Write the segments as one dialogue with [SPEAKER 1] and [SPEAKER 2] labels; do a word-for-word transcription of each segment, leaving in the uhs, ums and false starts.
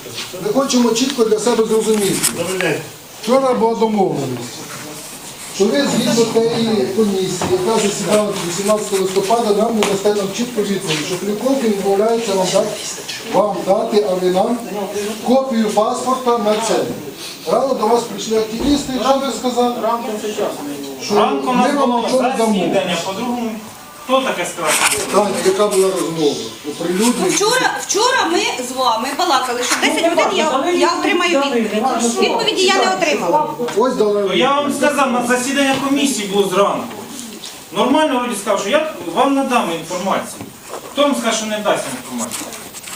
[SPEAKER 1] Ми хочемо чітко для себе зрозуміти. Вчора була домовленість, що ви згідно тієї комісії, яка засідала вісімнадцятого листопада, нам не дасте нам чітко відповідь, що Клюковкін відмовляється вам дати, вам дати, а ви нам копію паспорта на це. Рано до вас прийшли активісти, що ви сказали? Що ми вам нічого не дамо.
[SPEAKER 2] По-другому, хто таке сказав?
[SPEAKER 1] Таня, яка була розмова? Оприлюднення.
[SPEAKER 3] Вчора, вчора ми з вами балакали, що десять годин я, я отримаю відповідь. Відповіді я не отримала.
[SPEAKER 1] Ось дали.
[SPEAKER 2] Я вам сказав, на засідання комісії було зранку. Нормально вроді сказав, що я вам надам інформацію. Хто вам скаже, що не дасть інформацію?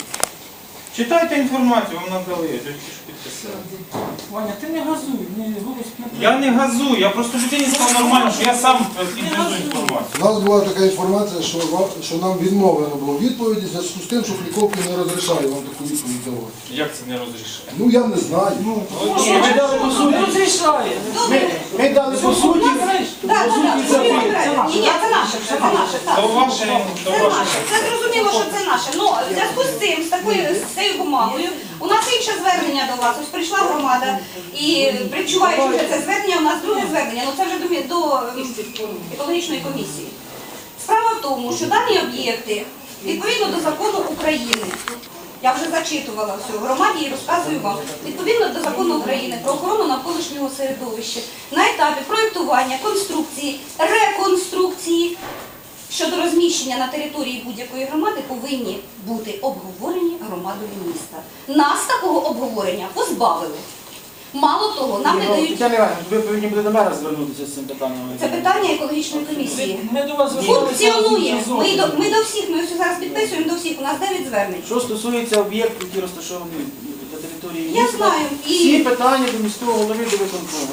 [SPEAKER 2] Читайте інформацію, вам надали, я тільки що підписав.
[SPEAKER 4] Ваня, ти не газуй, не голос не...
[SPEAKER 2] Я не газую, я просто людині сказав нормально, що я сам підвезу інформацію.
[SPEAKER 1] У нас була така інформація, що, ва- що нам відмовлено було відповіді в зв'язку з тим, що Клюковкін не розрішає вам таку відповідь давати.
[SPEAKER 2] Як це не розрішає?
[SPEAKER 1] Ну я не знаю.
[SPEAKER 4] Ми дали по суті. Не розрішає.
[SPEAKER 5] Ми дали по суті.
[SPEAKER 3] Так, так, так. Ні, ні, це наше, це наше. так.
[SPEAKER 2] То ваше, то
[SPEAKER 3] Це
[SPEAKER 2] ваше.
[SPEAKER 3] наше. Це зрозуміло, що це наше. Ну, в зв'язку з цим, з такою з цією бумагою, у нас інше звернення до вас. Ось прийшла громада і причуваючи вже це звернення, у нас друге звернення, ну це вже до, до ем, екологічної комісії. Справа в тому, що дані об'єкти, відповідно до закону України, я вже зачитувала все в громаді і розказую вам, відповідно до закону України про охорону навколишнього середовища, на етапі проєктування, конструкції, реконструкції щодо розміщення на території будь-якої громади повинні бути обговорені громадою міста. Нас такого обговорення позбавили. Мало того, нам не дають...
[SPEAKER 5] Тетяна Іванівна, ви повинні будете до мене звернутися з цим питанням.
[SPEAKER 3] Це питання екологічної комісії.
[SPEAKER 4] Ми до вас зверталися.
[SPEAKER 3] Функціонує. Ми до, ми до всіх, ми ось зараз підписуємо до всіх, у нас дев'ять звернень.
[SPEAKER 5] Що стосується об'єктів, які розташовані на території
[SPEAKER 3] Я
[SPEAKER 5] міста,
[SPEAKER 3] знаю. І-
[SPEAKER 5] всі питання до міського голови до виконкому.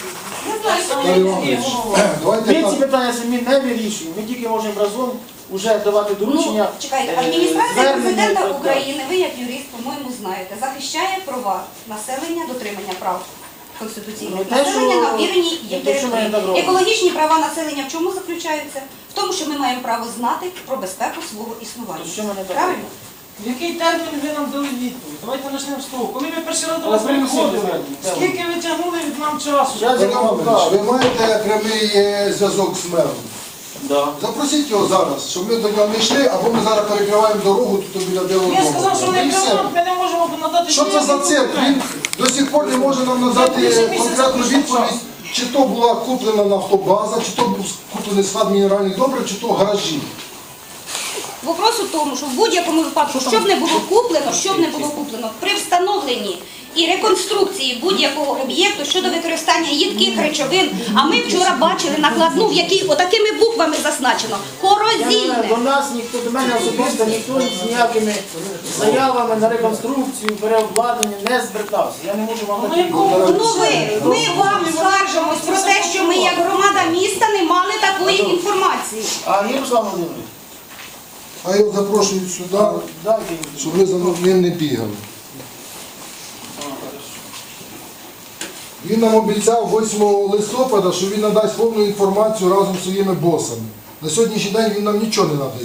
[SPEAKER 3] Я знаю, що
[SPEAKER 1] Наталія
[SPEAKER 3] ми
[SPEAKER 1] Іванович, давайте
[SPEAKER 5] Ми ці
[SPEAKER 1] так.
[SPEAKER 5] питання самі не вирішуємо, ми тільки можемо разом вже давати доручення.
[SPEAKER 3] Ну, чекайте,
[SPEAKER 5] е,
[SPEAKER 3] адміністрація
[SPEAKER 5] звернення і
[SPEAKER 3] президента
[SPEAKER 5] так далі.
[SPEAKER 3] України, ви як юрист, по-моєму, знаєте, захищає права населення, дотримання прав конституційних
[SPEAKER 5] Ну, те,
[SPEAKER 3] населення
[SPEAKER 5] що-
[SPEAKER 3] на впіреній
[SPEAKER 5] те,
[SPEAKER 3] їх
[SPEAKER 5] що ми так
[SPEAKER 3] території.
[SPEAKER 5] робимо.
[SPEAKER 3] Екологічні права населення в чому заключаються? В тому, що ми маємо право знати про безпеку свого існування.
[SPEAKER 5] То що ми не так
[SPEAKER 3] Правильно?
[SPEAKER 4] В який термін ви нам дали відповідь? Давайте почнемо з того. Коли ми перший раз до
[SPEAKER 5] Але
[SPEAKER 4] вас
[SPEAKER 5] принесіть
[SPEAKER 4] приходили,
[SPEAKER 5] звернення.
[SPEAKER 4] скільки ви тягнули від нам часу?
[SPEAKER 5] Я
[SPEAKER 1] Наталія
[SPEAKER 5] вам
[SPEAKER 1] Іванович,
[SPEAKER 5] покажу.
[SPEAKER 1] ви маєте прямий е, зв'язок з мером?
[SPEAKER 5] Да.
[SPEAKER 1] Запросіть його зараз, щоб ми до нього не йшли, або ми зараз перекриваємо дорогу тут біля білого
[SPEAKER 4] Я
[SPEAKER 1] дому.
[SPEAKER 4] сказав, що
[SPEAKER 1] І
[SPEAKER 4] не
[SPEAKER 1] все.
[SPEAKER 4] прямо, ми не можемо надати...
[SPEAKER 1] Що це за цирк? Він до сих пор не може нам надати конкретну відповідь, чи то була куплена нафтобаза, чи то був куплений склад мінеральних добрив, чи то гаражі.
[SPEAKER 3] Вопрос у тому, що в будь-якому випадку, що б не було куплено, що б не було куплено, при встановленні і реконструкції будь-якого об'єкту щодо використання їдких речовин, а ми вчора бачили накладну, в якій отакими буквами зазначено корозійне.
[SPEAKER 5] До нас ніхто, до мене особисто ніхто з ніякими заявами на реконструкцію, переобладнання не звертався. Я не можу вам такі
[SPEAKER 3] Ну ви, ми вам скаржимось про те, що ми як громада міста не мали такої інформації.
[SPEAKER 5] А Ярослав Володимирович,
[SPEAKER 1] А його запрошують сюди,
[SPEAKER 5] дайте їм.
[SPEAKER 1] щоб ви за ним не бігали. Він нам обіцяв восьмого листопада, що він надасть повну інформацію разом з своїми босами. На сьогоднішній день він нам нічого не надає.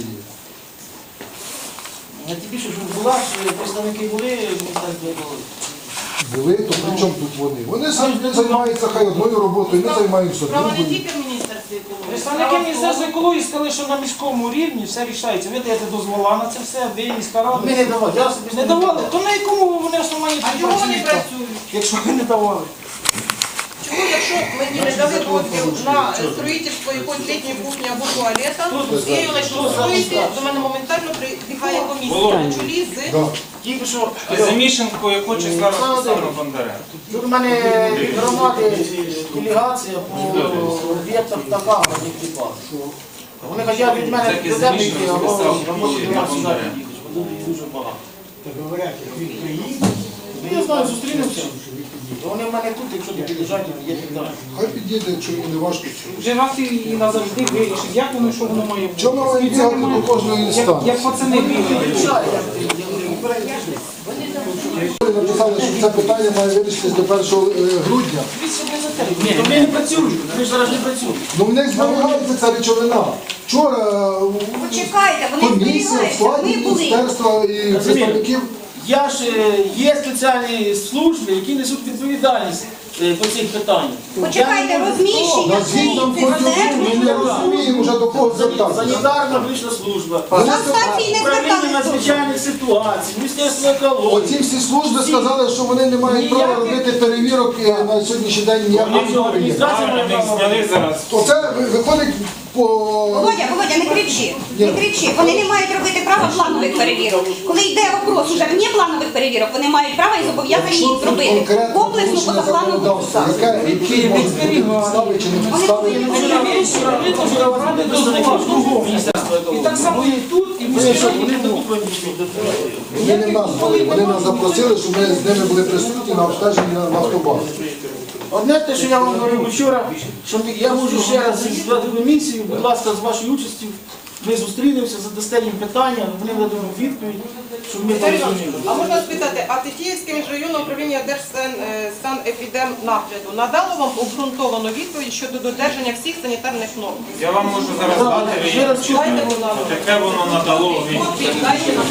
[SPEAKER 5] А ті більше, що була, що представники були в міністерстві екології.
[SPEAKER 1] Були, то при чому тут вони? Вони самі займаються хай одною роботою, ми займаємося
[SPEAKER 6] Справа не
[SPEAKER 1] другою.
[SPEAKER 6] тільки в Міністерстві екології.
[SPEAKER 4] Представники Міністерства екології сказали, що на міському рівні все рішається. Ви даєте дозвола на це все, ви міська рада.
[SPEAKER 5] Ми не давали, я особисто
[SPEAKER 4] Не давали? То на якому вони основанні
[SPEAKER 6] А
[SPEAKER 4] тут
[SPEAKER 6] чому вони
[SPEAKER 4] працюють?
[SPEAKER 6] працюють?
[SPEAKER 4] Якщо ви не давали.
[SPEAKER 6] Чому, якщо мені не дали дозвіл на строїтельство якоїсь літньої кухні або туалета, я її почну строїти, до мене моментально прибігає комісія на чолі з...
[SPEAKER 1] Да.
[SPEAKER 5] Тільки що
[SPEAKER 2] Замішанку, яку числа розписано Бондаренко.
[SPEAKER 5] тут у мене від громади делегація по об'єктах така на них типа. Вони хочуть від мене до тебе йти, або роботи до нас сюди їхати, бо тут дуже багато. Ну, я знаю, зустрінемося. Вони в мене тут, якщо не під'їжджають, є піддати.
[SPEAKER 1] Хай підійде, якщо йому не важко.
[SPEAKER 4] Вже раз і назавжди вирішить, як воно, що воно має бути.
[SPEAKER 1] Чому ми бігати до кожної
[SPEAKER 4] Як,
[SPEAKER 1] інстанції?
[SPEAKER 4] як пацани бігають.
[SPEAKER 1] Вони написали, що це питання має вирішитись до першого грудня.
[SPEAKER 5] Ні, вони не працюють, вони ж зараз не працюють.
[SPEAKER 1] Ну в них зберігається ця речовина. Вчора
[SPEAKER 3] Почекайте, вони
[SPEAKER 1] комісія в
[SPEAKER 3] зберігаються,
[SPEAKER 1] складі
[SPEAKER 3] ми були.
[SPEAKER 1] міністерства і представників
[SPEAKER 5] Я ж е, є спеціальні служби, які несуть відповідальність е, по цих питаннях.
[SPEAKER 3] Почекайте,
[SPEAKER 5] Я не можу-
[SPEAKER 3] розміщення
[SPEAKER 1] На згідно
[SPEAKER 3] цих
[SPEAKER 1] ми не розуміємо вже до кого звертатися.
[SPEAKER 5] Санітарна медична служба,
[SPEAKER 3] на станції не
[SPEAKER 5] управління
[SPEAKER 3] зверталися.
[SPEAKER 5] надзвичайних ситуацій, Міністерство екології.
[SPEAKER 1] Оці всі служби сказали, що вони не мають права робити перевірок е, на сьогоднішній день ніякого підприємства.
[SPEAKER 2] Правильно, ми їх зняли зараз.
[SPEAKER 1] Оце ви- виходить по...
[SPEAKER 3] Володя, Володя, не кричи, не кричи. Вони не мають робити права планових перевірок. Коли йде вопрос уже вне планових перевірок, вони мають право і зобов'язані їх зробити.
[SPEAKER 1] Конкретно
[SPEAKER 3] Комплексно по
[SPEAKER 1] порушення
[SPEAKER 3] закону
[SPEAKER 1] законодавства,
[SPEAKER 3] ВУСа.
[SPEAKER 1] яке- які можуть бути підстави чи не підстави.
[SPEAKER 4] І так само і тут, і ми
[SPEAKER 1] Вони не нас були, вони нас запросили, щоб ми з ними були присутні на обстеженні на нафтобазі.
[SPEAKER 5] Одне те, що я вам говорив вчора, що ми- я можу ще раз зібрати комісію, будь ласка, з вашою участю, ми зустрінемося, задасте їм питання, вони дадуть відповідь, щоб ми
[SPEAKER 6] Віталій Іванович,
[SPEAKER 5] порозуміли.
[SPEAKER 6] а можна спитати, а Тетіївське міжрайонне управління Держсанепідемнагляду надало вам обґрунтовану відповідь щодо додержання всіх санітарних норм?
[SPEAKER 2] Я вам можу зараз дати, ви
[SPEAKER 5] Ще раз чую.
[SPEAKER 6] Дайте, будь ласка.
[SPEAKER 2] таке воно надало. ви-
[SPEAKER 6] Копії дайте нам.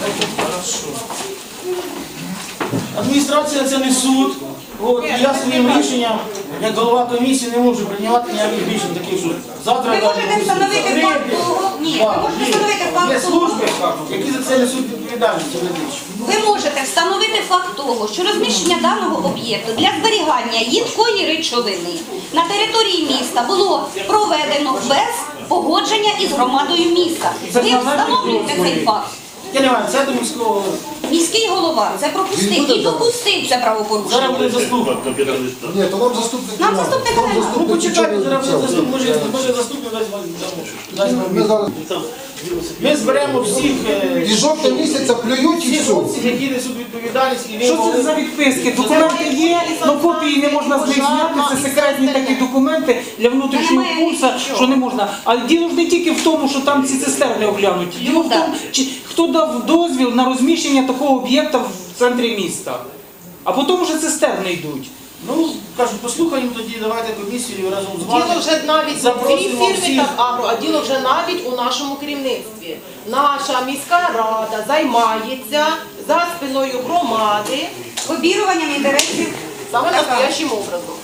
[SPEAKER 5] Адміністрація це не суд. От, і я своїм рішенням, як голова комісії, не можу приймати ніяких рішень таких, що завтра...
[SPEAKER 3] Ви можете встановити факт того, ні, ви можете встановити
[SPEAKER 5] Є
[SPEAKER 3] факт того,
[SPEAKER 5] служби, які за це несуть відповідальність. юридичну.
[SPEAKER 3] ви можете встановити факт того, що розміщення даного об'єкту для зберігання їдкої речовини на території міста було проведено без погодження із громадою міста. Ви встановлюєте цей факт.
[SPEAKER 5] Я не маю, це до міського...
[SPEAKER 3] Міський голова це пропустив і допустив це правопорушення.
[SPEAKER 5] Зараз буде заступник.
[SPEAKER 1] Ні, то нам заступник.
[SPEAKER 3] Нам
[SPEAKER 1] не
[SPEAKER 3] заступника
[SPEAKER 1] треба.
[SPEAKER 3] нема.
[SPEAKER 1] Нам
[SPEAKER 5] Ну
[SPEAKER 1] заступник
[SPEAKER 5] почекайте,
[SPEAKER 1] нічого не
[SPEAKER 5] зараз буде
[SPEAKER 1] обіцяв.
[SPEAKER 5] заступник, може, може заступник дасть вам дасть вам
[SPEAKER 1] Ми зараз
[SPEAKER 5] Ми зберемо всіх, е,
[SPEAKER 1] і жовтня місяця плюють і
[SPEAKER 5] всіх
[SPEAKER 1] все.
[SPEAKER 5] хлопців, які несуть відповідальність. і ви
[SPEAKER 4] Що це
[SPEAKER 5] могли-
[SPEAKER 4] за відписки? Документи є, але копії не можна з них зняти. Це секретні такі документи для внутрішнього
[SPEAKER 3] Немає
[SPEAKER 4] курсу,
[SPEAKER 3] нічого.
[SPEAKER 4] що не можна. А діло ж не тільки в тому, що там ці цистерни оглянуті. Діло в
[SPEAKER 3] Ну,
[SPEAKER 4] тому, чи хто дав дозвіл на розміщення такого об'єкта в центрі міста. А потім вже цистерни йдуть.
[SPEAKER 5] Ну, кажуть, послухаємо тоді, давайте комісію разом з вами.
[SPEAKER 6] Діло вже навіть не в цій
[SPEAKER 5] Запросимо
[SPEAKER 6] фірмі
[SPEAKER 5] всіх.
[SPEAKER 6] так агро, а діло вже навіть у нашому керівництві. Наша міська рада займається за спиною громади
[SPEAKER 3] Обіруванням інтересів.
[SPEAKER 6] саме настоящим образом.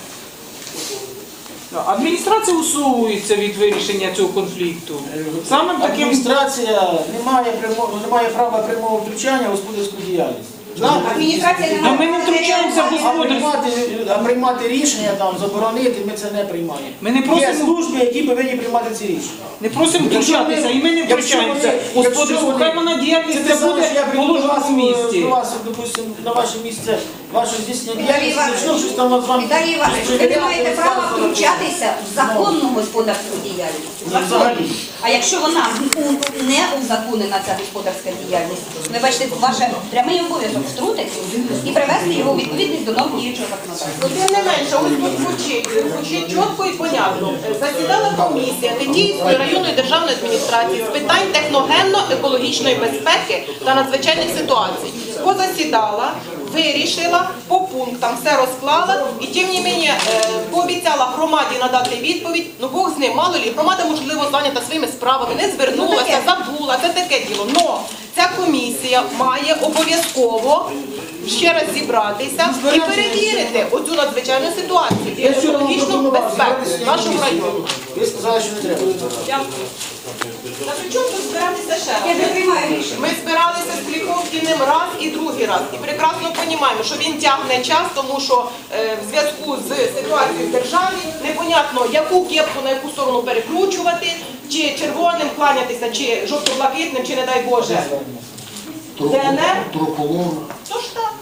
[SPEAKER 4] Адміністрація усовується від вирішення цього конфлікту. Самим таким
[SPEAKER 5] Адміністрація не має, прямо- не має права прямого втручання в господарську діяльність.
[SPEAKER 3] Адміністрація не
[SPEAKER 4] А ми не втручаємося в
[SPEAKER 5] А
[SPEAKER 4] господарську.
[SPEAKER 5] приймати, а приймати рішення там, заборонити, ми це не приймаємо.
[SPEAKER 4] Ми не
[SPEAKER 5] Є
[SPEAKER 4] просимо-
[SPEAKER 5] служби, які повинні приймати ці рішення.
[SPEAKER 4] Не просимо втручатися, і ми не
[SPEAKER 5] Якщо
[SPEAKER 4] втручаємося.
[SPEAKER 5] вони-
[SPEAKER 4] Господарську,
[SPEAKER 5] якщо
[SPEAKER 4] хай
[SPEAKER 5] вони-
[SPEAKER 4] вона діяльність
[SPEAKER 5] Це
[SPEAKER 4] це
[SPEAKER 5] те саме,
[SPEAKER 4] буде
[SPEAKER 5] що я прийду до
[SPEAKER 4] положена
[SPEAKER 5] вас,
[SPEAKER 4] в місті.
[SPEAKER 5] до вас, допустим, на ваше місце, ваше здійснення
[SPEAKER 3] Віталій
[SPEAKER 5] діяльності,
[SPEAKER 3] Іванович,
[SPEAKER 5] почну щось там з вами.
[SPEAKER 3] Віталій Іванович, ви не маєте права втручатися в законну господарську діяльність.
[SPEAKER 5] Ну, взагалі.
[SPEAKER 3] А якщо вона у- не узаконена, ця господарська діяльність, ви бачите, ваше прямий обов'язок втрутитися і привести його у відповідність до норм діючого законодавства.
[SPEAKER 6] Тим не менше, ось тут звучить, звучить чітко і понятно. Засідала комісія Тетіївської районної державної адміністрації з питань техногенно-екологічної безпеки та надзвичайних ситуацій. Позасідала, вирішила, по пунктам все розклала і тим не менше е, пообіцяла громаді надати відповідь. Ну Бог з ним, мало лі, громада можливо зайнята своїми справами, не звернулася, забула, це таке діло. Но ця комісія має обов'язково ще раз зібратися і перевірити оцю надзвичайну ситуацію і
[SPEAKER 5] Я вчора вам
[SPEAKER 6] екологічну
[SPEAKER 5] пропонував
[SPEAKER 6] безпеку
[SPEAKER 5] збиратися
[SPEAKER 6] в нашому
[SPEAKER 5] і
[SPEAKER 6] районі.
[SPEAKER 5] Ви сказали, що не треба.
[SPEAKER 6] Дякую. Та при чому тут збиратися ще
[SPEAKER 3] Я не
[SPEAKER 6] раз?
[SPEAKER 3] приймаю рішення.
[SPEAKER 6] Ми збиралися з Кліховкіним раз і другий раз. І прекрасно розуміємо, що він тягне час, тому що е, в зв'язку з ситуацією в державі непонятно, яку кепку на яку сторону перекручувати, чи червоним кланятися, чи жовто-блакитним, чи не дай Боже. ДНР?
[SPEAKER 1] Трополог.
[SPEAKER 6] Тож так.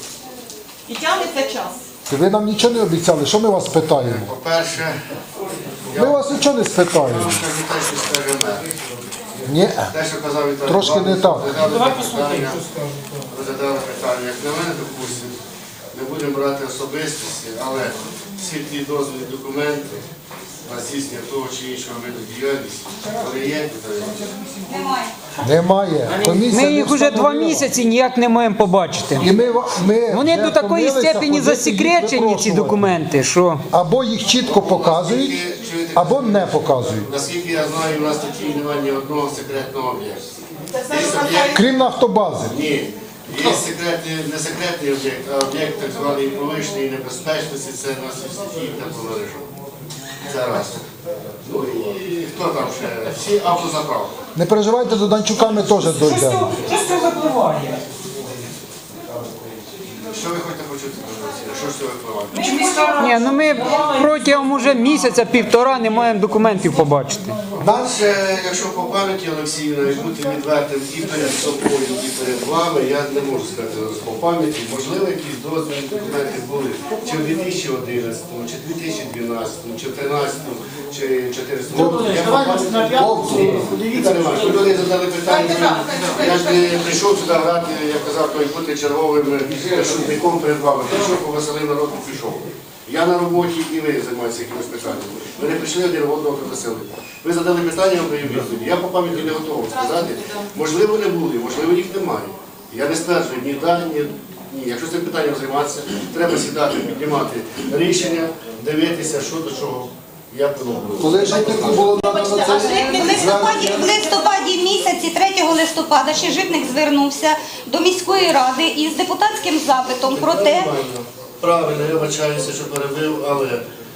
[SPEAKER 6] І тягнеться час.
[SPEAKER 1] Ви нам нічого не обіцяли, що ми вас питаємо?
[SPEAKER 7] По-перше,
[SPEAKER 1] Ми вас нічого не спитаємо.
[SPEAKER 7] скажу те, що скаже мер.
[SPEAKER 1] Ні.
[SPEAKER 7] Те, що казав Віталій
[SPEAKER 1] Трошки не
[SPEAKER 7] Іванович,
[SPEAKER 1] так.
[SPEAKER 7] розглядали питання, розглядали питання. Як на мене, допустимо, не будемо брати особистості, але всі ті дозвільні документи на здійснення того чи іншого виду діяльності, вони є, Віталій Іванович?
[SPEAKER 3] Немає.
[SPEAKER 1] Немає. Комісія
[SPEAKER 8] Ми
[SPEAKER 1] не
[SPEAKER 8] їх вже два
[SPEAKER 1] встановила.
[SPEAKER 8] місяці ніяк не маємо побачити.
[SPEAKER 1] І ми, ва- ми
[SPEAKER 8] Вони
[SPEAKER 1] вже
[SPEAKER 8] до такої
[SPEAKER 1] втомилися
[SPEAKER 8] степені
[SPEAKER 1] ходити,
[SPEAKER 8] засекречені,
[SPEAKER 1] їх
[SPEAKER 8] ці
[SPEAKER 1] випрошувати.
[SPEAKER 8] документи, що
[SPEAKER 1] Або їх чітко показують,
[SPEAKER 7] Чуєте,
[SPEAKER 1] або не показують.
[SPEAKER 7] наскільки я знаю, у нас тут немає ні одного секретного об'єкту. Є об'єкт?
[SPEAKER 1] Крім нафтобази.
[SPEAKER 7] Ні. Є секретний, не секретний об'єкт, а об'єкт так званий повищеної небезпечності, це на сільській тепломережі. Це раз. Ну і хто там ще? Всі автозаправки.
[SPEAKER 1] Не переживайте, до Данчука ми теж
[SPEAKER 4] Що з
[SPEAKER 1] дійдемо.
[SPEAKER 4] цього, що з цього випливає?
[SPEAKER 7] Що ви хочете почути? Що ж це випливає?
[SPEAKER 8] Ні, ну ми протягом уже місяця-півтора не маємо документів побачити.
[SPEAKER 7] Далі, якщо по пам'яті Олексіївна, і бути відвертим і перед собою, і перед вами, я не можу сказати зараз по пам'яті, можливо, якісь дозвільні документи були чи в дві тисячі одинадцятому, чи дві тисячі дванадцятому, чи в тринадцятому, чи чотирнадцятому. Я по пам'яті Віталій Іванович, ви люди задали питання, я ж не прийшов сюди грати, як казав, той бути черговим шутником перед вами. Прийшов, повеселив народ і пішов. Я на роботі і ви займаєтеся якимось питанням. Ви не прийшли один одного повеселити. Ви задали питання, я даю відповіді. Я по пам'яті не готовий сказати. Можливо, не були, можливо, їх немає. Я не стверджую ні да, ні ні. Якщо цим питанням займатися, треба сідати, піднімати рішення, дивитися, що до чого, як воно було.
[SPEAKER 1] Коли жительку було надано
[SPEAKER 3] В
[SPEAKER 1] це
[SPEAKER 3] листопаді, в листопаді місяці, третього листопада, ще Житник звернувся до міської ради із депутатським запитом про те,
[SPEAKER 7] Нормально. Правильно, я вибачаюся, що перебив, але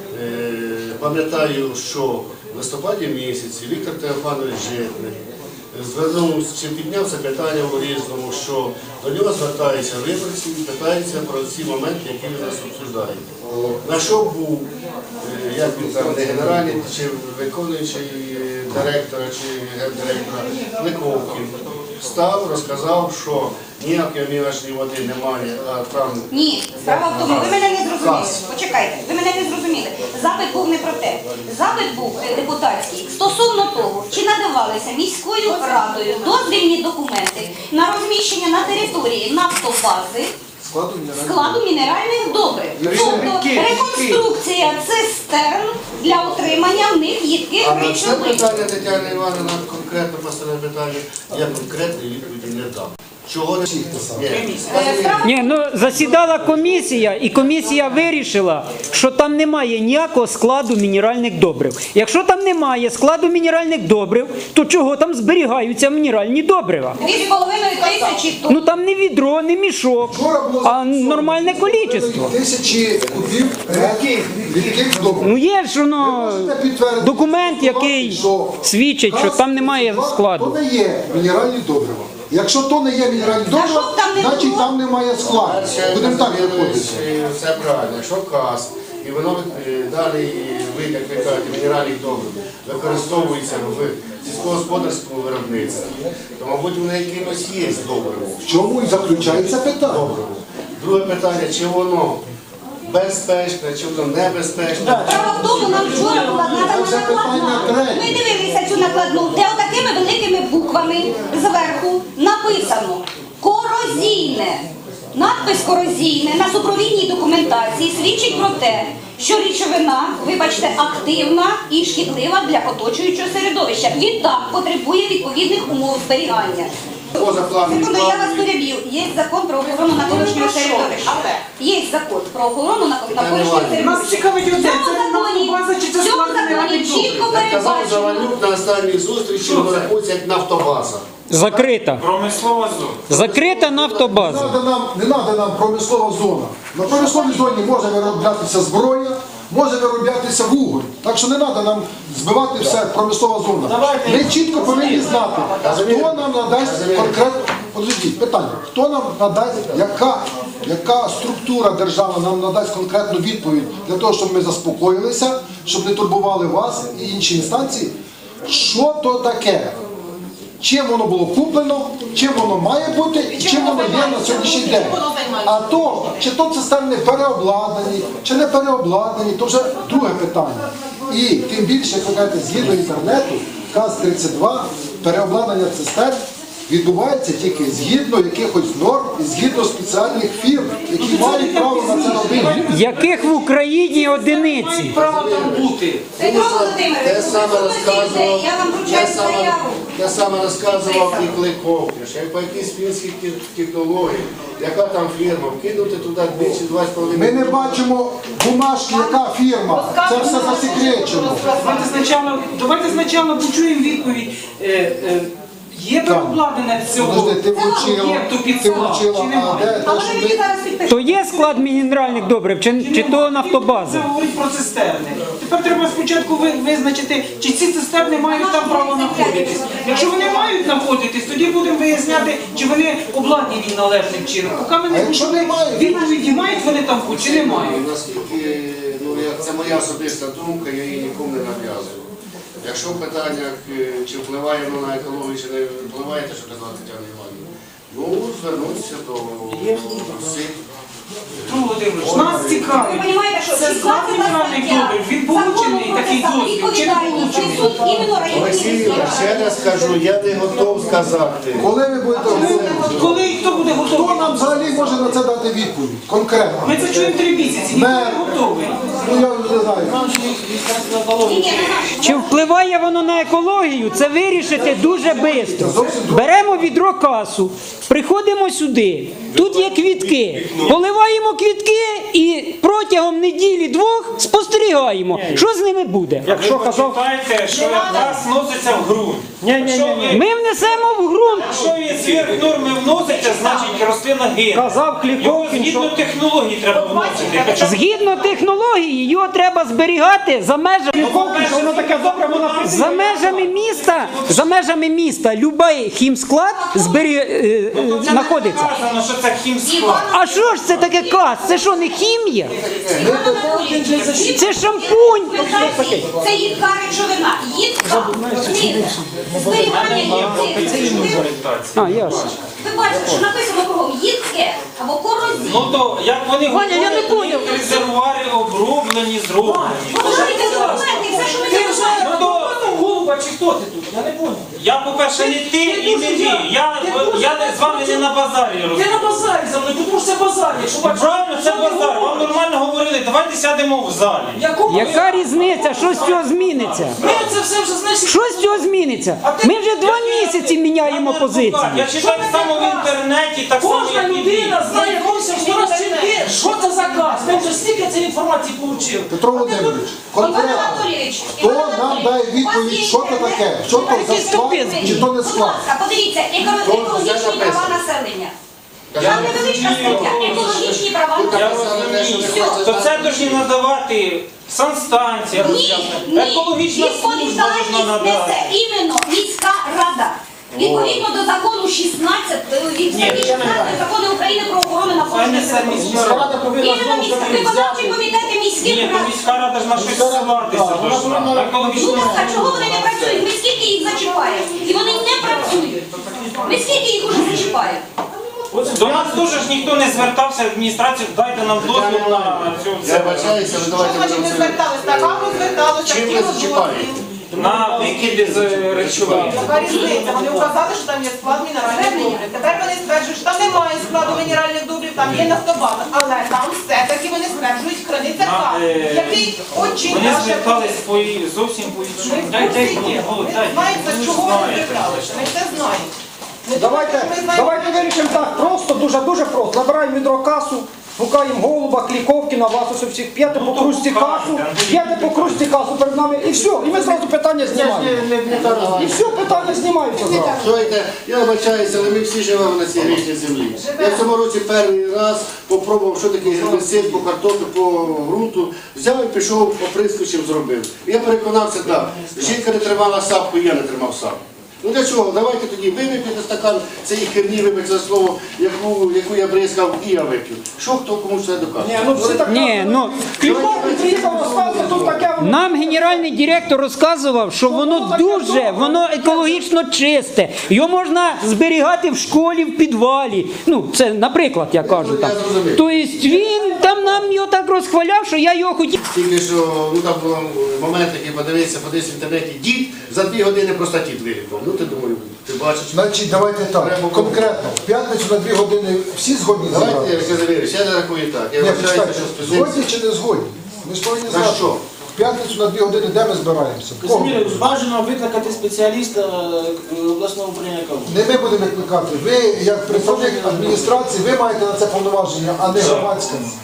[SPEAKER 7] е, пам'ятаю, що в листопаді місяці Віктор Теофанович Житник звернувся, чи підняв це питання у Різному, що до нього звертаються виборці і питаються про ці моменти, які ви нас обсуждаєте. На що був, е, як він там, не генеральний, чи виконуючий директора, чи гендиректора Ликовкін, став, розказав, що ніякої мілочної води немає, а там...
[SPEAKER 3] ні, справа в тому, ви мене не зрозуміли. Почекайте, ви мене не зрозуміли. Запит був не про те. Запит був е, депутатський стосовно того, чи надавалися міською радою дозвільні документи на розміщення на території нафтобази складу мінеральних добрив. Тобто реконструкція цистерн для отримання в них їдких
[SPEAKER 7] А на це
[SPEAKER 3] речовин.
[SPEAKER 7] питання Тетяна Івановна конкретно поставила питання, я конкретної відповіді не дам. Чого не всіх писав?
[SPEAKER 8] Ні, ну засідала комісія, і комісія вирішила, що там немає ніякого складу мінеральних добрив. Якщо там немає складу мінеральних добрив, то чого там зберігаються мінеральні добрива?
[SPEAKER 3] Дві з половиною тисячі тонн.
[SPEAKER 8] Ну там не відро, не мішок, а нормальне кількість.
[SPEAKER 1] Тисячі кубів рідких добрив.
[SPEAKER 8] Ну є ж воно документ, який свідчить, що там немає
[SPEAKER 1] То
[SPEAKER 8] складу.
[SPEAKER 1] не є мінеральні добрива. Якщо то не є мінеральні
[SPEAKER 3] А
[SPEAKER 1] добрива,
[SPEAKER 3] щоб там не
[SPEAKER 1] значить
[SPEAKER 3] було?
[SPEAKER 1] там немає складу. Будемо так виходити.
[SPEAKER 7] Все правильно, якщо каз, і воно е, далі ви, як ви кажете, мінеральних добрив використовується в сільськогосподарському виробництві, то, мабуть, воно якимось є добриво.
[SPEAKER 1] В чому і заключається питання?
[SPEAKER 7] Добриво. Друге питання, чи воно безпечне, чи воно небезпечне.
[SPEAKER 3] Справа в тому, нам вчора була надана
[SPEAKER 1] Це питання
[SPEAKER 3] накладна.
[SPEAKER 1] третє.
[SPEAKER 3] Ми дивилися цю накладну, де отакими великими буквами зверху написано «корозійне». Надпис «корозійне» на супровідній документації свідчить про те, що речовина, вибачте, активна і шкідлива для оточуючого середовища. Відтак потребує відповідних умов зберігання.
[SPEAKER 7] Позапланові
[SPEAKER 3] Секунду, я вас
[SPEAKER 7] плани.
[SPEAKER 3] переб'ю. Є закон про охорону навколишнього середовища. Є закон про охорону навколишнього середовища.
[SPEAKER 4] Нас цікавить
[SPEAKER 3] В
[SPEAKER 4] одне,
[SPEAKER 3] цьому
[SPEAKER 4] це
[SPEAKER 3] законі,
[SPEAKER 4] нафтобаза чи це
[SPEAKER 3] в цьому
[SPEAKER 4] склад
[SPEAKER 3] законі
[SPEAKER 4] мінеральних
[SPEAKER 3] чітко
[SPEAKER 4] добрив?
[SPEAKER 7] Як казав
[SPEAKER 3] передбачено.
[SPEAKER 7] Завалюк на останній зустрічі, воно рахується як нафтобаза.
[SPEAKER 8] Закрита.
[SPEAKER 2] Промислова зона.
[SPEAKER 8] Закрита
[SPEAKER 1] Не
[SPEAKER 8] нафтобаза.
[SPEAKER 1] треба нам, не треба нам промислова зона. На промисловій зоні може вироблятися зброя, може вироблятися вуголь. Так що не треба нам збивати все промислова зона. Ми чітко повинні знати, хто нам надасть конкретно. Подождіть, питання. Хто нам надасть, яка, яка структура держава нам надасть конкретну відповідь для того, щоб ми заспокоїлися, щоб не турбували вас і інші інстанції? Що то таке? Чим воно було куплено, чим воно має бути і чим воно є на сьогоднішній день. А то, чи то цистерни переобладнані, чи не переобладнані, то вже друге питання. І тим більше, як ви кажете, згідно інтернету, КАЗ тридцять два, переобладнання цистерн відбувається тільки згідно якихось норм і згідно спеціальних фірм, які мають право на це робити.
[SPEAKER 8] Яких в Україні одиниці?
[SPEAKER 4] Право там бути.
[SPEAKER 3] Петро Володимирович,
[SPEAKER 7] Те саме
[SPEAKER 3] ви
[SPEAKER 7] розказував,
[SPEAKER 3] слухайте, я вам
[SPEAKER 7] те
[SPEAKER 3] вручаю
[SPEAKER 7] саме,
[SPEAKER 3] заяву.
[SPEAKER 7] те саме розказував і Кликовки, що як по якійсь фінській технології, яка там фірма, вкинути туди двічі два з половиною.
[SPEAKER 1] Ми не бачимо бумажки, яка фірма. Це все засекречено.
[SPEAKER 4] Давайте спочатку, давайте спочатку почуємо відповідь. Е, е, Є переобладнання цього
[SPEAKER 1] Подожди, ти влучила,
[SPEAKER 4] об'єкту під
[SPEAKER 1] ти
[SPEAKER 4] склад,
[SPEAKER 1] влучила,
[SPEAKER 4] чи
[SPEAKER 1] а
[SPEAKER 4] немає?
[SPEAKER 1] де
[SPEAKER 3] А
[SPEAKER 1] те,
[SPEAKER 3] вони
[SPEAKER 1] що
[SPEAKER 3] мені
[SPEAKER 1] ми...
[SPEAKER 3] зараз підпишуть.
[SPEAKER 8] То є склад мінеральних добрив, чи, чи то нафтобаза?
[SPEAKER 4] Це говорить про цистерни. Тепер треба спочатку ви- визначити, чи ці цистерни мають там право знаходитись. Якщо вони мають знаходитись, тоді будемо виясняти, чи вони обладнані належним чином. Поки ми
[SPEAKER 1] А
[SPEAKER 4] не
[SPEAKER 1] якщо
[SPEAKER 4] почули
[SPEAKER 1] немає?
[SPEAKER 4] відповіді, мають вони там бути, чи не мають.
[SPEAKER 7] Наскільки, ну, як це моя особиста думка, я її нікому не нав'язую. Якщо в питаннях, е, чи впливає воно на екологію, чи не впливає, те, що казала Тетяна Іванівна, ну, звернутися до всіх.
[SPEAKER 4] Петро Володимирович, нас цікавить.
[SPEAKER 3] Ви розумієте, що
[SPEAKER 4] Це склад мінеральних добрив, він получений такий дозвіл, чи не получений?
[SPEAKER 3] іменно
[SPEAKER 7] Олексій, я ще раз кажу, я не готов сказати.
[SPEAKER 1] Коли ви будете готові?
[SPEAKER 4] Коли і хто буде
[SPEAKER 1] Хто
[SPEAKER 4] готовий?
[SPEAKER 1] нам взагалі може на це дати відповідь? Конкретно.
[SPEAKER 4] Ми це чуємо три місяці, ніхто не готовий.
[SPEAKER 1] Ну я не знаю.
[SPEAKER 8] Чи впливає воно на екологію? Це вирішити дуже швидко. Беремо відро касу, приходимо сюди. Тут є квітки. Поливаємо квітки і протягом неділі-двох спостерігаємо, що з ними буде.
[SPEAKER 2] Якщо почитаєте, що газ вноситься в ґрунт. Якщо ви-
[SPEAKER 8] Ми внесемо в ґрунт.
[SPEAKER 2] Якщо він зверх норми вноситься, значить рослина гине.
[SPEAKER 8] Казав
[SPEAKER 2] Його згідно технології треба вносити. Хоча б
[SPEAKER 8] Згідно технології, його треба зберігати за межами
[SPEAKER 2] воно таке добре, воно
[SPEAKER 8] за межами міста. За межами міста любий хімсклад збері... е, е, знаходиться.
[SPEAKER 2] Сказано, що це хімсклад.
[SPEAKER 8] А що ж це таке каз? Це що, не хімія? Це шампунь.
[SPEAKER 3] Це їдка речовина. Їдка. Зберігання їдки.
[SPEAKER 8] А, ясно.
[SPEAKER 3] Ви бачите, що написано кругом їдке або корозійне.
[SPEAKER 2] Ну то як вони
[SPEAKER 4] Ваня, я не поняв.
[SPEAKER 2] резервуари оброблені, зроблені.
[SPEAKER 3] Подивіться документи, все, що ми
[SPEAKER 4] Ти вже
[SPEAKER 3] знаємо.
[SPEAKER 2] Ну, то-
[SPEAKER 4] голуба чи хто ти тут? Я не поняв.
[SPEAKER 2] Я, по-перше, не ти і не ви. Я, я не- з вами не на базарі
[SPEAKER 4] Ти
[SPEAKER 2] розмовляю.
[SPEAKER 4] на базарі за мною, тому що це базар. Якщо бачиш,
[SPEAKER 2] Правильно, це базар. Вам нормально говорили, давайте сядемо в залі.
[SPEAKER 4] Якому
[SPEAKER 8] Яка різниця? Що з цього зміниться?
[SPEAKER 4] Ми це все вже знаєш.
[SPEAKER 8] Що з цього зміниться? Ми вже два місяці міняємо
[SPEAKER 2] Я
[SPEAKER 8] позиції.
[SPEAKER 2] читаю так само в інтернеті, так само
[SPEAKER 4] Кожна
[SPEAKER 2] як і ви.
[SPEAKER 4] людина знає більше, що раз чим ти, що це за газ. Ми вже стільки цієї інформації отримали.
[SPEAKER 1] Петро Володимирович,
[SPEAKER 3] Іван
[SPEAKER 1] конкретно.
[SPEAKER 3] Анатолійович,
[SPEAKER 1] Хто
[SPEAKER 3] Іван
[SPEAKER 1] нам
[SPEAKER 3] Анатолійович,
[SPEAKER 1] дає
[SPEAKER 3] у вас
[SPEAKER 1] відповідь,
[SPEAKER 3] є
[SPEAKER 1] що це
[SPEAKER 3] інтернет?
[SPEAKER 1] таке? Що то за склад, чи то не
[SPEAKER 3] Будь
[SPEAKER 1] склад?
[SPEAKER 3] ласка, подивіться, еко- екологічні права населення. Там невеличка стаття, екологічні права
[SPEAKER 2] Я
[SPEAKER 3] населення.
[SPEAKER 2] розумію. То це повинні надавати санстанція,
[SPEAKER 3] Ні,
[SPEAKER 2] роз'яснення.
[SPEAKER 3] ні,
[SPEAKER 2] екологічна служба повинна
[SPEAKER 3] відповідальність
[SPEAKER 2] надати.
[SPEAKER 3] несе іменно міська рада. Відповідно до закону шістнадцять, від статті шістнадцять закону України про охорону навколишнього середовища. Іменно міська, виконавчі комітети міських
[SPEAKER 2] Ні, то
[SPEAKER 3] рад.
[SPEAKER 2] міська рада ж на щось ссилатися должна. На екологічну
[SPEAKER 3] Будь ласка, чого вони не працюють? Ми скільки їх зачіпаємо? І вони не працюють. Ми скільки їх уже зачіпаємо?
[SPEAKER 2] До нас теж ж ніхто не звертався в адміністрацію, дайте нам дозвіл на цю
[SPEAKER 7] Я бачаюся, ви
[SPEAKER 6] Що
[SPEAKER 7] давайте
[SPEAKER 6] значить
[SPEAKER 7] будемо
[SPEAKER 6] не
[SPEAKER 7] це.
[SPEAKER 6] звертались? Так, а ми зверталися,
[SPEAKER 7] Чим ви
[SPEAKER 6] хотіли
[SPEAKER 7] зачіпаєте?
[SPEAKER 6] дозвіл.
[SPEAKER 2] на викиди з речовин.
[SPEAKER 6] Яка різниця? Вони вказали, що там є склад мінеральних добрив. Тепер вони стверджують, що там немає складу мінеральних добрив, там є нафтобаза. Але там все-таки вони стверджують, храниться
[SPEAKER 2] На,
[SPEAKER 6] газ,
[SPEAKER 2] е,
[SPEAKER 6] який очень
[SPEAKER 2] Вони
[SPEAKER 6] наше
[SPEAKER 2] звертались по зовсім по іншому.
[SPEAKER 6] Ми
[SPEAKER 2] Дай, дай,
[SPEAKER 6] всі
[SPEAKER 2] ні,
[SPEAKER 6] є.
[SPEAKER 2] Голод,
[SPEAKER 6] Ми
[SPEAKER 2] дай.
[SPEAKER 6] знаємо,
[SPEAKER 2] Ви
[SPEAKER 6] за
[SPEAKER 2] ж
[SPEAKER 6] чого вони
[SPEAKER 2] знаєте.
[SPEAKER 6] зверталися. Ми це знаємо. Не
[SPEAKER 9] Давайте,
[SPEAKER 6] думайте, що ми знаємо.
[SPEAKER 9] давайте вирішимо так, просто, дуже, дуже просто. Набираємо відрокасу, гукаємо голуба, кліковкіна, вас ось всіх, п'яте по кружці касу, п'яте по кружці касу перед нами, і все, і ми зразу питання знімаємо. І все, питання знімаються зразу.
[SPEAKER 7] Слухайте, я вибачаюся, але ми всі живемо на цій грішній землі. Я в цьому році перший раз попробував, що таке гербіцид по картоплі, по ґрунту. Взяв і пішов, оприскувачем зробив. І я переконався, так, жінка не тримала сапку, і я не тримав сапку. Ну для чого? Давайте тоді ви вип'єте стакан цієї херні, вибачте за слово, яку, яку я бризкав, і я вип'ю. Що хто комусь це доказує?
[SPEAKER 9] Ні, ну всі так
[SPEAKER 8] Ні, ну
[SPEAKER 9] кліковки приїхав, розказує, тут таке воно.
[SPEAKER 8] нам генеральний директор розказував, що воно дуже, воно екологічно чисте. Його можна зберігати в школі, в підвалі. Ну, це, наприклад, я кажу так. Тобто він там нам його так розхваляв, що я його хотів.
[SPEAKER 7] Тільки що, ну там був момент, який подивився, подивився в інтернеті, дід за дві години просто дід вилікував. Ну ти думаю, ти бачиш.
[SPEAKER 1] Значить, давайте так, конкретно. В п'ятницю на дві години всі згодні
[SPEAKER 7] Давайте,
[SPEAKER 1] забрати?
[SPEAKER 7] я завірюсь, я рахую так. Я
[SPEAKER 1] Ні,
[SPEAKER 7] вважаю,
[SPEAKER 1] почекайте,
[SPEAKER 7] що з
[SPEAKER 1] згодні
[SPEAKER 7] позиції.
[SPEAKER 1] чи не згодні? Ми ж повинні
[SPEAKER 7] На
[SPEAKER 1] знати.
[SPEAKER 7] що?
[SPEAKER 1] В п'ятницю на дві години де ми збираємося? Кого?
[SPEAKER 5] Казиміре, бажано викликати спеціаліста е, обласного управління екології.
[SPEAKER 1] Не ми будемо викликати. Ви, як представник адміністрації, ви маєте на це повноваження, а не громадська.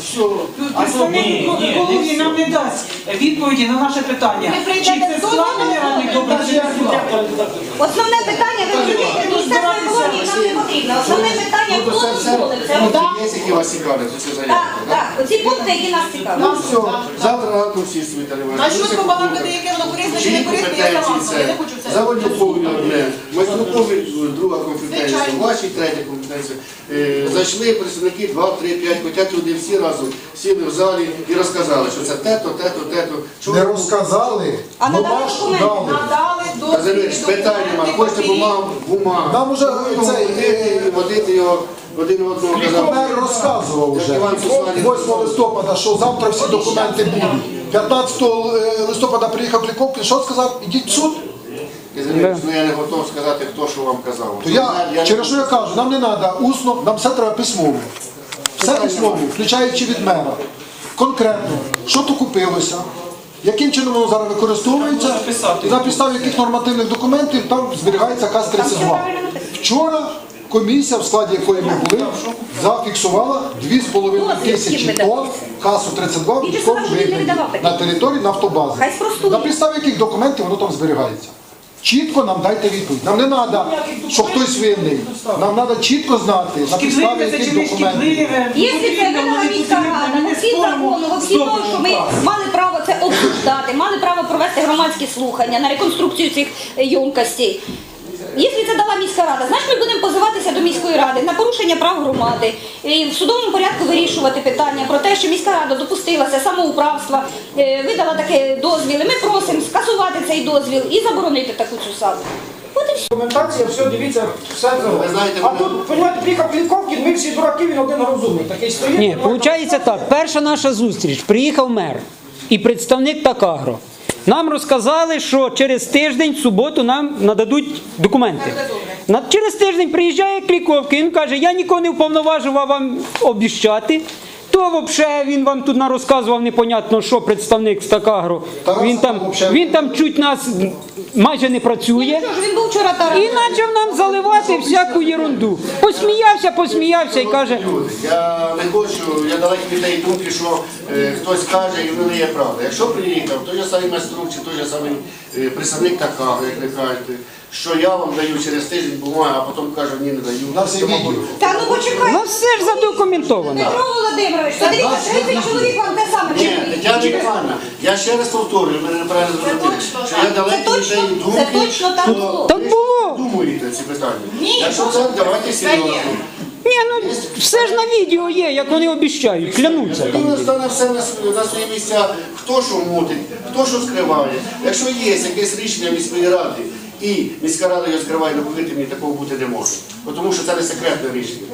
[SPEAKER 7] Все. А
[SPEAKER 4] Представник
[SPEAKER 2] Ні, ні,
[SPEAKER 4] екології нам не дасть відповіді на наше питання.
[SPEAKER 6] Ми
[SPEAKER 4] Чи
[SPEAKER 6] прийдемо
[SPEAKER 4] це
[SPEAKER 6] до
[SPEAKER 4] склад
[SPEAKER 6] того,
[SPEAKER 4] мінеральних добрив, чи не склад?
[SPEAKER 3] Основне питання, ви розумієте, Міністерство екології нам не потрібно. Основне питання,
[SPEAKER 7] Ну,
[SPEAKER 3] хто
[SPEAKER 7] то це все,
[SPEAKER 3] дозволив це
[SPEAKER 7] ну,
[SPEAKER 3] робити.
[SPEAKER 7] є, які вас цікавлять, оці заявки,
[SPEAKER 3] Так,
[SPEAKER 7] так?
[SPEAKER 3] так, оці пункти, які нас
[SPEAKER 7] Ну
[SPEAKER 3] цікавлять.
[SPEAKER 7] все, завтра ранку всі свої телевізори.
[SPEAKER 6] А що побалакати, яке воно корисне чи не корисне, я сама знаю, я не хочу це.
[SPEAKER 7] Заводюкові одне, майструкові друга компетенція, ваші третя компетенція. Е, Зайшли представники два, три, п'ять, хочуть люди всі разом сіли в залі і розказали, що це те-то, те-то, те-то. Чого
[SPEAKER 1] Не
[SPEAKER 7] ви-
[SPEAKER 1] розказали,
[SPEAKER 3] А надали
[SPEAKER 1] бумажку
[SPEAKER 3] документи?
[SPEAKER 1] дали.
[SPEAKER 6] Надали
[SPEAKER 7] Казимир,
[SPEAKER 6] дозвіл,
[SPEAKER 7] питань нема, хочете бумагу, бумагу.
[SPEAKER 1] Нам уже
[SPEAKER 7] Ну,
[SPEAKER 1] цей,
[SPEAKER 7] водити, водити його один одного казав.
[SPEAKER 1] Мер розказував вже
[SPEAKER 7] Як Іван Сусанін.
[SPEAKER 1] восьмого листопада, що завтра всі документи будуть. п'ятнадцятого листопада приїхав Кліковкін, що сказав? Ідіть в суд.
[SPEAKER 7] Казимир, ну я не готов сказати, хто що вам казав.
[SPEAKER 1] То я, через що я кажу, нам не треба усно, нам все треба письмово. Все письмово, включаючи від мера. Конкретно, що то купилося, яким чином воно зараз використовується, і на підставі яких нормативних документів там зберігається КАЗ тридцять два. Вчора комісія, в складі якої ми були, зафіксувала дві з половиною тисячі тонн КАЗу тридцять два в військовому вигляді на території нафтобази.
[SPEAKER 3] Хай спростує.
[SPEAKER 1] На підставі яких документів воно там зберігається. Чітко нам дайте відповідь. Нам не треба, що хтось винний. Нам треба чітко знати, на підставі
[SPEAKER 4] Шкідливе це
[SPEAKER 1] яких
[SPEAKER 4] чи не
[SPEAKER 1] документів.
[SPEAKER 4] шкідливе?
[SPEAKER 3] Якщо це видала міська рада,
[SPEAKER 4] Ми не
[SPEAKER 3] всі
[SPEAKER 4] споримо
[SPEAKER 3] закону,
[SPEAKER 4] з
[SPEAKER 3] всі того, що ми
[SPEAKER 4] добрим
[SPEAKER 3] мали право це обсуждати, мали право провести громадські слухання на реконструкцію цих ємкостей. Якщо це дала міська рада, значить ми будемо позиватися до міської ради на порушення прав громади і в судовому порядку вирішувати питання про те, що міська рада допустилася самоуправства, е, видала таке дозвіл. І ми просимо скасувати цей дозвіл і заборонити таку цю саду. От і все.
[SPEAKER 9] Документація, все, дивіться, все це.
[SPEAKER 7] Ви знаєте,
[SPEAKER 9] А
[SPEAKER 7] мене-
[SPEAKER 9] тут, розумієте, приїхав Кліковкін, ми всі дураки, він один розумний. Такий стоїть.
[SPEAKER 8] Ні, виходить так. Перша наша зустріч. Приїхав мер і представник Такагро. Нам розказали, що через тиждень, в суботу, нам нададуть документи. На- Через тиждень приїжджає Кліковкін, він каже, я нікого не вповноважував вам обіщати. То взагалі він вам тут розказував непонятно, що представник з Такагро. Він там, він там чуть нас майже не працює.
[SPEAKER 3] Що ж, він був вчора таран.
[SPEAKER 8] І почав нам заливати всяку ерунду. Посміявся, посміявся і каже,
[SPEAKER 7] Люди, я не хочу, я далекий від тієї думки, що е, хтось каже і воно не є правда. Якщо приїхав, той же самий майструк чи той же самий е, представник Такагро, як ви кажете, що я вам даю через тиждень бумагу, а потім кажу, ні, не даю.
[SPEAKER 1] На всі
[SPEAKER 7] Що,
[SPEAKER 1] відео.
[SPEAKER 7] мабуть,
[SPEAKER 3] Та ну почекай.
[SPEAKER 8] ну все ж задокументовано.
[SPEAKER 3] Петро Володимирович, подивіться, тридцять чоловік вам те саме
[SPEAKER 7] Ні,
[SPEAKER 3] чують.
[SPEAKER 7] Тетяна Івановна, я ще раз повторюю, мене неправильно зрозуміли, що я далекий від
[SPEAKER 3] точно,
[SPEAKER 7] тієї думки,
[SPEAKER 3] це точно так
[SPEAKER 7] що
[SPEAKER 3] було.
[SPEAKER 8] Так
[SPEAKER 7] ви
[SPEAKER 8] було.
[SPEAKER 7] думаєте ці питання. Якщо це, давайте серйозно.
[SPEAKER 8] Ні, ну все ж на відео є, як вони обіщають, клянуться.
[SPEAKER 7] Тоді стане все на свої, на свої місця, хто що мутить, хто що скриває. Якщо є якесь рішення міської ради, і міська рада його скриває, ну повірте мені, такого бути не може. Бо Тому що це не секретне рішення.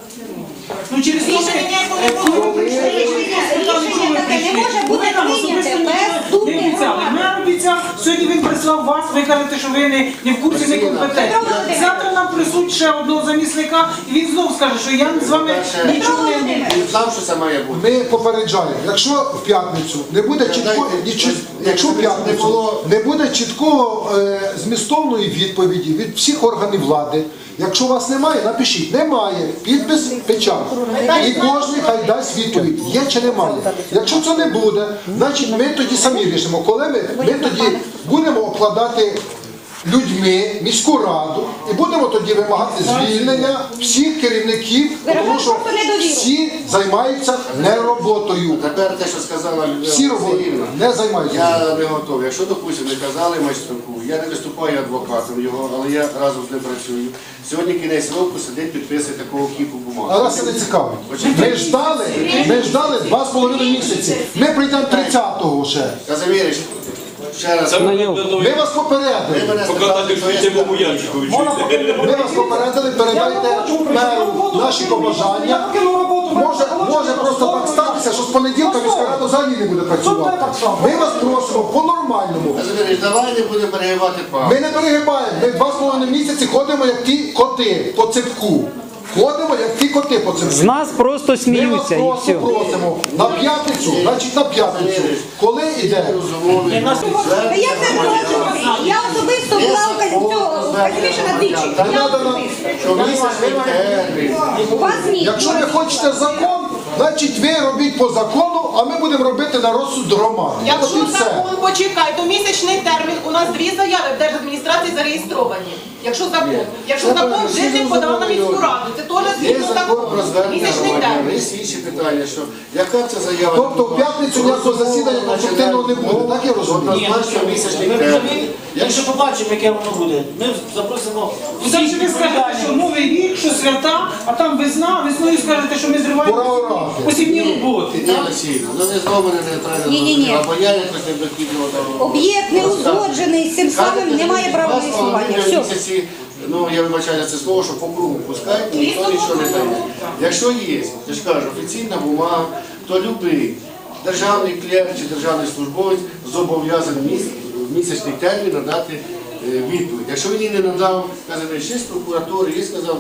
[SPEAKER 4] Ну через те,
[SPEAKER 6] Рішення ніякого не було.
[SPEAKER 3] Рішення таке не може бути прийняте без думки
[SPEAKER 4] не обіцяли.
[SPEAKER 3] громади.
[SPEAKER 4] Мер обіцяв, сьогодні він прислав вас, ви кажете, що ви не, не в курсі, не компетентні. Завтра нам присуть ще одного замісника, і він знову скаже, що я з вами нічого не маю.
[SPEAKER 7] Він знав, що це має бути.
[SPEAKER 1] Ми попереджаємо, якщо в п'ятницю не буде чітко, нічого- якщо в п'ятницю не буде чіткого е, змістовної відповіді від всіх органів влади, якщо вас немає, напишіть, немає, підпис, печать. І кожен хай дасть відповідь, є чи немає. Якщо це не буде, значить ми тоді самі рішимо, коли ми, ми тоді будемо обкладати людьми міську раду і будемо тоді вимагати звільнення всіх керівників, тому що всі займаються не роботою.
[SPEAKER 7] Тепер те, що сказала
[SPEAKER 1] Всі
[SPEAKER 7] Людмила
[SPEAKER 1] роботи
[SPEAKER 7] Васильівна,
[SPEAKER 1] не займаються.
[SPEAKER 7] я не готовий. Якщо, допустимо, не казали майструку, я не виступаю адвокатом його, але я разом з ним працюю. Сьогодні кінець року сидить, підписує такого кіпу бумаг.
[SPEAKER 1] А нас це не цікаво. Ми ждали, ми ждали два з половиною місяці. Ми прийдемо тридцятого ще.
[SPEAKER 7] Казимирич, ще раз, ви
[SPEAKER 1] Ми вас попередили.
[SPEAKER 7] мене спитали, що я сказав.
[SPEAKER 1] Ми вас попередили, передайте меру наші побажання. Може, може просто так статися, що з понеділка міська рада взагалі не буде працювати. Ми вас просимо по-нормальному.
[SPEAKER 7] Казимирич, давай не будемо перегибати палку.
[SPEAKER 1] Ми не перегибаємо. Ми два з половиною місяці ходимо, як ті коти по цепку. Ходимо, як ті коти по цепку.
[SPEAKER 8] З нас просто
[SPEAKER 1] Ми вас
[SPEAKER 8] сміються і
[SPEAKER 1] просто
[SPEAKER 8] все.
[SPEAKER 1] просимо на п'ятницю, значить на п'ятницю. Коли йде?
[SPEAKER 7] Розумовий.
[SPEAKER 3] Та я це бачу. Я особисто була у цього Казиміша двічі. Я особисто.
[SPEAKER 7] Що місяць термін.
[SPEAKER 3] У вас ні.
[SPEAKER 1] Якщо ви хочете закон, Значить, ви робіть по закону, а ми будемо робити на розсуд громади. От
[SPEAKER 6] Якщо
[SPEAKER 1] і все.
[SPEAKER 6] закон, почекай, то місячний термін, у нас дві заяви в держадміністрації зареєстровані. Якщо закон. Якщо
[SPEAKER 7] Це
[SPEAKER 6] закон,
[SPEAKER 7] всі
[SPEAKER 6] житель подав на
[SPEAKER 7] зрозуміли.
[SPEAKER 6] міську раду. Це теж
[SPEAKER 7] Є
[SPEAKER 6] згідно
[SPEAKER 7] закон про
[SPEAKER 6] закону.
[SPEAKER 7] звернення
[SPEAKER 6] Місячний
[SPEAKER 7] громадян,
[SPEAKER 6] термін.
[SPEAKER 7] є інші питання, що яка це заява?
[SPEAKER 1] Тобто в п'ятницю ніякого засідання конструктивного не буде, так я розумію?
[SPEAKER 7] Однозначно місячний
[SPEAKER 5] Ми
[SPEAKER 7] термін.
[SPEAKER 5] розуміємо, якщо побачимо, яке воно буде, ми запросимо
[SPEAKER 4] Ви там
[SPEAKER 5] всіх
[SPEAKER 4] ви скажете, що новий рік, що свята, а там весна, весною скажете, що ми
[SPEAKER 1] Пора
[SPEAKER 4] зриваємо
[SPEAKER 1] орати.
[SPEAKER 4] посівні роботи.
[SPEAKER 7] Ні, Олексійовна, ну не знову мене не треба
[SPEAKER 3] Ні-ні-ні.
[SPEAKER 7] зрозуміти, або я якось не докидував до...
[SPEAKER 3] Об'єкт не узгоджений з цим самим, немає права на існування. Все.
[SPEAKER 7] Місяці, ну я вибачаю за це слово, що по кругу пускають, ніхто нічого не дає. Якщо є, я ж кажу, офіційна бумага, то любий державний клієнт чи державний службовець зобов'язаний міс- в місячний термін надати е, відповідь. Якщо він її не надав, каже, ще з прокуратури, є сказав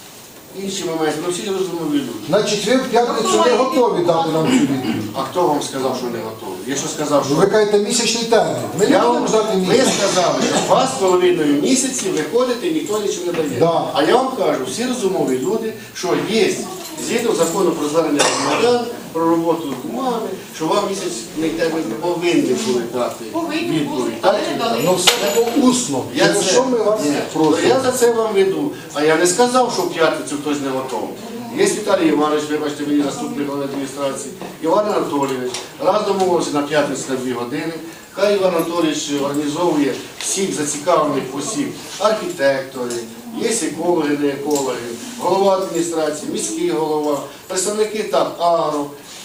[SPEAKER 7] інші моменти, ну всі розумові люди.
[SPEAKER 1] Значить, ви в п'ятницю не готові дати нам цю відповідь.
[SPEAKER 7] А хто вам сказав, що не готовий? Я що сказав,
[SPEAKER 1] Ви
[SPEAKER 7] що...
[SPEAKER 1] кажете місячний термін. Ми не
[SPEAKER 7] Я вам,
[SPEAKER 1] будемо ждати
[SPEAKER 7] ви
[SPEAKER 1] місяць.
[SPEAKER 7] сказали, що два з половиною місяці виходите і ніхто нічого не дає.
[SPEAKER 1] Да.
[SPEAKER 7] А я вам кажу, всі розумові люди, що є згідно закону про звернення громадян, про роботу з бумагами, що вам місячний термін повинні були дати
[SPEAKER 6] Повинні були,
[SPEAKER 7] відповідь.
[SPEAKER 6] але
[SPEAKER 7] Так
[SPEAKER 6] не
[SPEAKER 7] чи ні?
[SPEAKER 6] дали.
[SPEAKER 1] Ну все було усно.
[SPEAKER 7] Я,
[SPEAKER 1] Через
[SPEAKER 7] це,
[SPEAKER 1] що ми вас
[SPEAKER 7] Ні,
[SPEAKER 1] просимо?
[SPEAKER 7] я за це вам веду. А я не сказав, що в п'ятницю хтось не готовий. Є Віталій Іванович, вибачте, мені заступник голови адміністрації, Іван Анатолійович. Раз домовилися на п'ятницю на дві години. Хай Іван Анатолійович організовує всіх зацікавлених осіб, архітектори, є екологи, не екологи, голова адміністрації, міський голова, представники ТАП «Агро».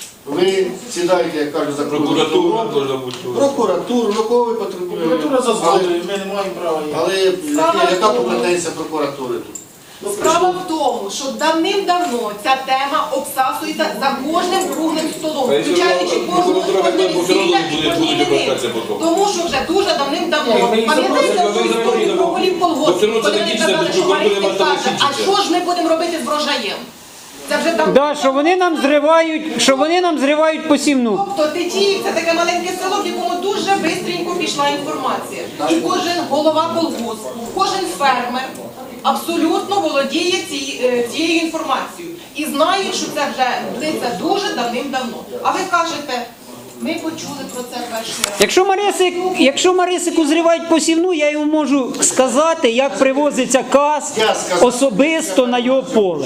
[SPEAKER 7] Ви сідаєте, як кажуть, за
[SPEAKER 10] Прокуратура должна бути.
[SPEAKER 7] прокуратуру, ну кого ви потребуєте?
[SPEAKER 5] Прокуратура за
[SPEAKER 7] Але-
[SPEAKER 5] згодою, ми не маємо права її.
[SPEAKER 7] Але яка- яка компетенція прокуратури тут? Ну,
[SPEAKER 6] Справа
[SPEAKER 7] прийшло-
[SPEAKER 6] в тому, що давним-давно ця тема обсасується за кожним круглим столом,
[SPEAKER 10] Та й все
[SPEAKER 6] включаючи
[SPEAKER 10] одно,
[SPEAKER 6] кожну
[SPEAKER 10] прокуратура
[SPEAKER 6] кожне
[SPEAKER 10] хай все одно
[SPEAKER 6] весілля
[SPEAKER 10] буде-
[SPEAKER 6] і кожні
[SPEAKER 10] буде
[SPEAKER 6] іменини.
[SPEAKER 10] звертатися потім.
[SPEAKER 6] Тому що вже дуже давним-давно,
[SPEAKER 5] Ні, ми їх
[SPEAKER 6] пам'ятаєте,
[SPEAKER 10] запросимо,
[SPEAKER 6] що
[SPEAKER 10] ви
[SPEAKER 6] історію
[SPEAKER 10] запросимо.
[SPEAKER 6] про голів
[SPEAKER 10] Бо все
[SPEAKER 6] колгоспів,
[SPEAKER 10] одно це
[SPEAKER 6] коли
[SPEAKER 10] не
[SPEAKER 6] вони
[SPEAKER 10] кінчиться,
[SPEAKER 6] казали,
[SPEAKER 10] без
[SPEAKER 6] що
[SPEAKER 10] прокуратури
[SPEAKER 6] Маринський
[SPEAKER 10] варто не
[SPEAKER 6] каже, а
[SPEAKER 10] кінчиться.
[SPEAKER 6] що ж ми будемо робити з врожаєм? Це вже там...
[SPEAKER 8] Да, що вони нам зривають, що вони нам зривають посівну.
[SPEAKER 6] Тобто Тетіїв – це таке маленьке село, в якому дуже швидко пішла інформація. І кожен голова колгоспу, кожен фермер абсолютно володіє ці- е, цією інформацією. І знає, що це вже длиться дуже давним-давно. А ви кажете, ми почули про це перший раз.
[SPEAKER 8] Якщо Марисик, якщо Марисику зривають посівну, я йому можу сказати, як привозиться каз особисто на його поле.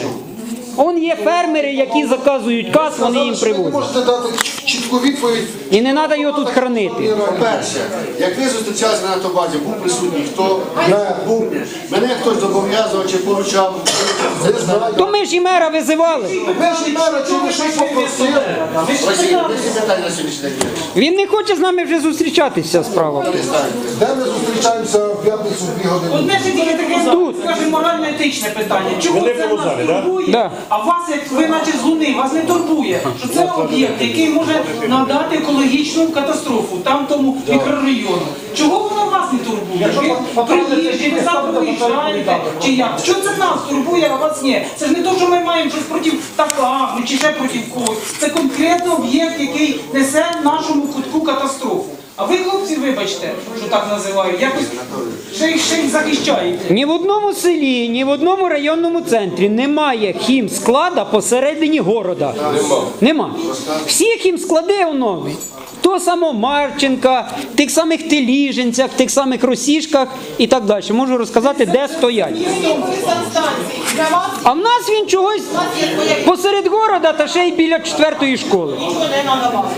[SPEAKER 8] Он є фермери, які заказують каз, вони їм
[SPEAKER 1] Сказали, що ви не
[SPEAKER 8] привозять.
[SPEAKER 1] можете дати чітку відповідь.
[SPEAKER 8] І не треба його тут хранити.
[SPEAKER 7] По-перше, як ви зустрічалися на натобазі, був присутній хто?
[SPEAKER 1] Не.
[SPEAKER 7] Був. Мене хтось зобов'язував чи поручав.
[SPEAKER 1] Не знаю.
[SPEAKER 8] То ми ж і мера визивали.
[SPEAKER 1] Ви ж мера, чи ви щось попросили?
[SPEAKER 7] Василь, ви всі питання на сьогоднішній день вирішили.
[SPEAKER 8] Він не хоче з нами вже зустрічатися справа.
[SPEAKER 7] Перестаньте.
[SPEAKER 1] Де ми зустрічаємося в п'ятницю в дві години?
[SPEAKER 4] Одне ж тільки таке, скажімо, морально-етичне питання. Чому це нас турбує,
[SPEAKER 8] Да.
[SPEAKER 4] а вас, як ви наче з Луни, вас не турбує, що це об'єкт, який може надати екологічну катастрофу там тому мікрорайону. Чого воно вас не турбує? Ви приїжджі, ви завтра виїжджаєте, чи як? Що це нас турбує, а вас ні? Це ж не то, що ми маємо щось проти така, чи ще проти когось. Це конкретно об'єкт, який несе в нашому кутку катастрофу. А ви, хлопці, вибачте, що так називають, якось ще, й- ще й захищаєте.
[SPEAKER 8] Ні в одному селі, ні в одному районному центрі немає хімсклада посередині города.
[SPEAKER 10] Нема.
[SPEAKER 8] Нема. Всі хімсклади, воно, того самого Марченка, тих самих Теліженцях, тих самих Росішках і так далі. Можу розказати, де стоять.
[SPEAKER 6] Є санстанції. Для вас
[SPEAKER 8] А в нас він чогось
[SPEAKER 6] у нас є своя
[SPEAKER 8] посеред города та ще й біля четвертої школи.
[SPEAKER 6] нічого не надавати.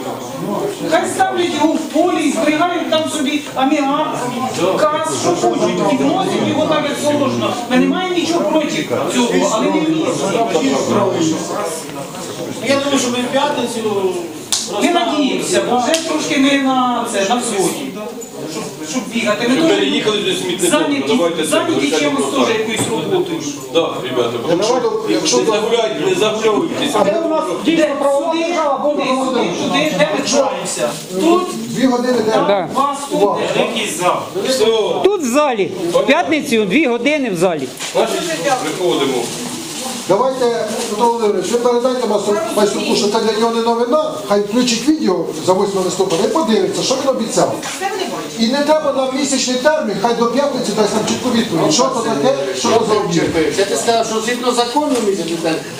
[SPEAKER 4] Хай ставлять його в полі і зберігають там собі аміак, газ, що хочуть, і вносять його так, як положено. Ми не маємо нічого проти цього, але не вносять.
[SPEAKER 5] Я думаю, що ми в п'ятницю
[SPEAKER 4] Ми надіємося, бо вже трошки не на це, на взводі. Щоб, щоб бігати. Ми
[SPEAKER 10] Щоб
[SPEAKER 4] теж
[SPEAKER 10] переїхали до смітником,
[SPEAKER 4] зайняті,
[SPEAKER 10] давайте це
[SPEAKER 4] зайняті
[SPEAKER 10] вирішати
[SPEAKER 4] чимось
[SPEAKER 10] просто.
[SPEAKER 4] теж якоюсь роботою.
[SPEAKER 10] Так, ребята, тому що
[SPEAKER 1] Якщо
[SPEAKER 10] не загуляйте, не загуляйтеся.
[SPEAKER 9] А де у нас дійсно правова
[SPEAKER 4] Сюди,
[SPEAKER 9] держава, бо
[SPEAKER 4] сюди, сюди, сюди, де ми чуємося. Тут,
[SPEAKER 1] Дві години де?
[SPEAKER 8] Да.
[SPEAKER 4] вас тут.
[SPEAKER 2] Якийсь зал.
[SPEAKER 10] Все,
[SPEAKER 8] Тут в залі, в п'ятницю дві години в залі.
[SPEAKER 10] значить, приходимо.
[SPEAKER 1] Давайте, Петро Володимирович, ви передайте Масу- Майструку, що це для нього не новина, хай включить відео за восьмого листопада і подивиться, що він обіцяв.
[SPEAKER 6] Це вони бачать.
[SPEAKER 1] І не треба нам місячний термін, хай до п'ятниці дасть нам чітку відповідь. Що це таке, що це за об'єкт.
[SPEAKER 7] Я ти сказав, що згідно закону місяць